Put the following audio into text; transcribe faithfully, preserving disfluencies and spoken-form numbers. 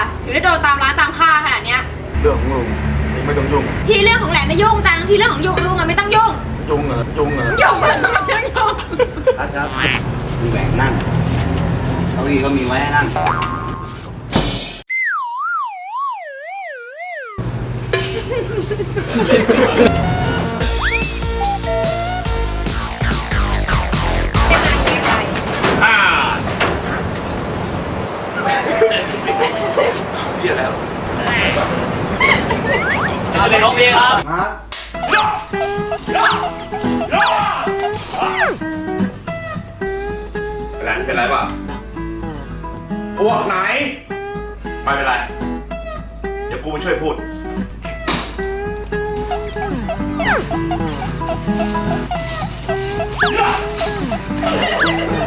ถึงได้โดนตามร้านตามค่าขนาดเนี้ยเรื่องของลุงเองไม่ต้องยุ่งที่เรื่องของแหลมไม่ยุ่งจังที่เรื่องของยุงลุงอะไม่ต้องยุ่งยุ่งเหรอยุ่งเหรอยุ่งไม่ต้องยุ่งครับครับมีแหวนนั่งเก้าอี้ก็มีไว้ให้นั่งเหี้ยแล้วเอาเลยน้องเพลงครับมาเป็นไรเป็นไรป่ะพวกไหนไม่เป็นไรเดี๋ยวกูมาช่วยพูดเ